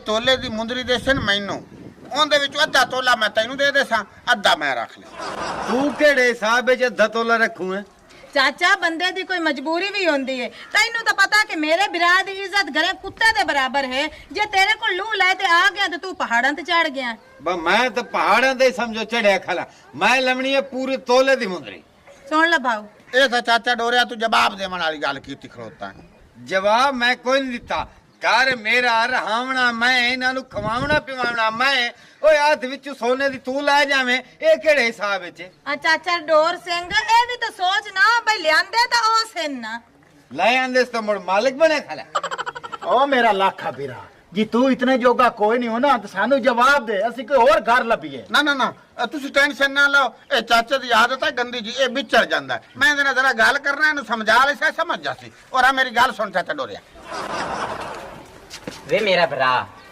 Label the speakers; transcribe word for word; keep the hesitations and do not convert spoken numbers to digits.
Speaker 1: ਤੋਲੇ ਦੀ ਮੁੰਦਰੀ ਦੇ ਸਨ ਮੈਨੂੰ ਉਹਦੇ ਵਿੱਚੋਂ ਅੱਧਾ ਤੋਲਾ ਮੈਂ ਤੈਨੂੰ ਦੇ ਦੇਸਾਂ ਅੱਧਾ ਮੈਂ ਰੱਖ ਲਿਆ
Speaker 2: ਤੂੰ ਕਿਹੜੇ ਹਿਸਾਬ ਵਿੱਚ ਅੱਧਾ ਤੋਲਾ ਰੱਖੂ ਹੈ
Speaker 3: ਚਾਚਾ ਬੰਦੇ ਦੀ ਕੋਈ ਮਜਬੂਰੀ ਵੀ ਹੁੰਦੀ ਹੈ ਤੈਨੂੰ ਤਾਂ ਪਤਾ ਕਿ ਮੇਰੇ ਬਿਰਾ ਦੀ ਇੱਜ਼ਤ ਘਰੇ ਕੁੱਤੇ ਦੇ ਬਰਾਬਰ ਹੈ ਜੇ ਤੇਰੇ ਕੋਲ ਲੂ ਲੈ ਤੇ ਆ ਗਿਆ ਤੇ ਤੂੰ ਪਹਾੜਾਂ ਤੇ ਚੜ ਗਿਆ
Speaker 2: ਬਾ ਮੈਂ ਤਾਂ ਪਹਾੜਾਂ ਦੇ ਸਮਝੋ ਚੜਿਆ ਖਲਾ ਮੈਂ ਲਵਣੀ ਹੈ ਪੂਰੇ ਤੋਲੇ ਦੀ ਮੁੰਦਰੀ
Speaker 3: ਸੁਣ ਲੈ ਭਾਊ
Speaker 1: ਇਹ ਤਾਂ ਚਾਚਾ ਡੋਰਿਆ ਤੂੰ ਜਵਾਬ ਦੇਣ ਵਾਲੀ ਗੱਲ ਕੀਤੀ ਖਲੋਤਾ
Speaker 2: ਜਵਾਬ ਮੈਂ ਕੋਈ ਨਹੀਂ ਦਿੱਤਾ ਘਰ ਮੇਰਾ ਰਹਾਵਣਾ ਮੈਂ ਇਹਨਾਂ ਨੂੰ ਖਵਾਉਣਾ ਪਿਵਾਉਣਾ ਮੈਂ ਓਏ ਹੱਥ ਵਿੱਚ ਸੋਨੇ ਦੀ ਤੂੰ ਲੈ ਜਾਵੇਂ ਇਹ ਕਿਹੜੇ ਹਿਸਾਬ ਵਿੱਚ
Speaker 3: ਆ ਚਾਚਾ ਡੋਰ ਸਿੰਘ ਇਹ ਵੀ ਤਾਂ ਸੋਚ ਨਾ ਬਈ ਲਿਆਂਦੇ ਤਾਂ ਉਹ ਸਨ ਨਾ
Speaker 2: ਲੈ ਆਂਦੇ ਤਾਂ ਮੁੜ ਮਾਲਕ ਬਣੇ ਖਲਾ
Speaker 4: ओ मेरा लाखा बीरा जी तू इतने जोगा कोई नहीं हो ना तो सानू जवाब दे असि कोई और घर लभीए
Speaker 1: ਨਾ ਨਾ ਨਾ ਅ, ਤੁਸੀਂ ਟੈਨਸ਼ਨ ਨਾ ਲਓ ਇਹ ਚਾਚੇ ਦੀ ਆਦਤ ਹੈ ਗੰਦੀ ਜੀ ਇਹ ਵਿਚੜ ਜਾਂਦਾ ਹੈ। ਮੈਂ ਇਹਦੇ ਨਾਲ ਜ਼ਰਾ ਗੱਲ ਕਰਨਾ ਇਹਨੂੰ ਸਮਝਾ ਲੈ ਸਮਝ ਜਾ ਸੀ ਔਰ ਆ ਮੇਰੀ ਗੱਲ ਸੁਣ ਚਾਚਾ ਡੋਰਿਆ
Speaker 5: ਵੇ ਮੇਰਾ ਭਰਾ